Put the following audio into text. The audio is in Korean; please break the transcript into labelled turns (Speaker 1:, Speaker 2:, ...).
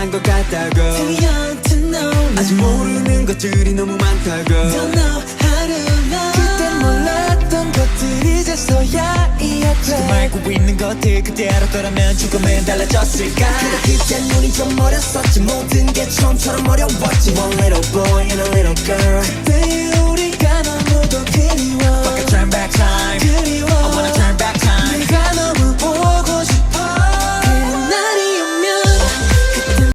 Speaker 1: 한 것 같다고
Speaker 2: Too young to know
Speaker 1: 아직 모르는 것들이 너무 많다고
Speaker 2: Don't know how to love 그때 몰랐던 것들 이제서야 이해돼
Speaker 1: 지금 알고 있는 것들 그때 알았더라면 조금은 달라졌을까
Speaker 2: 그래 그때 눈이 좀 어렸었지 모든 게 처음처럼 어려웠지
Speaker 1: One little boy and a little girl
Speaker 2: 그때 우리가 너무도 그리워
Speaker 1: Fuck a turn back time
Speaker 2: 그리워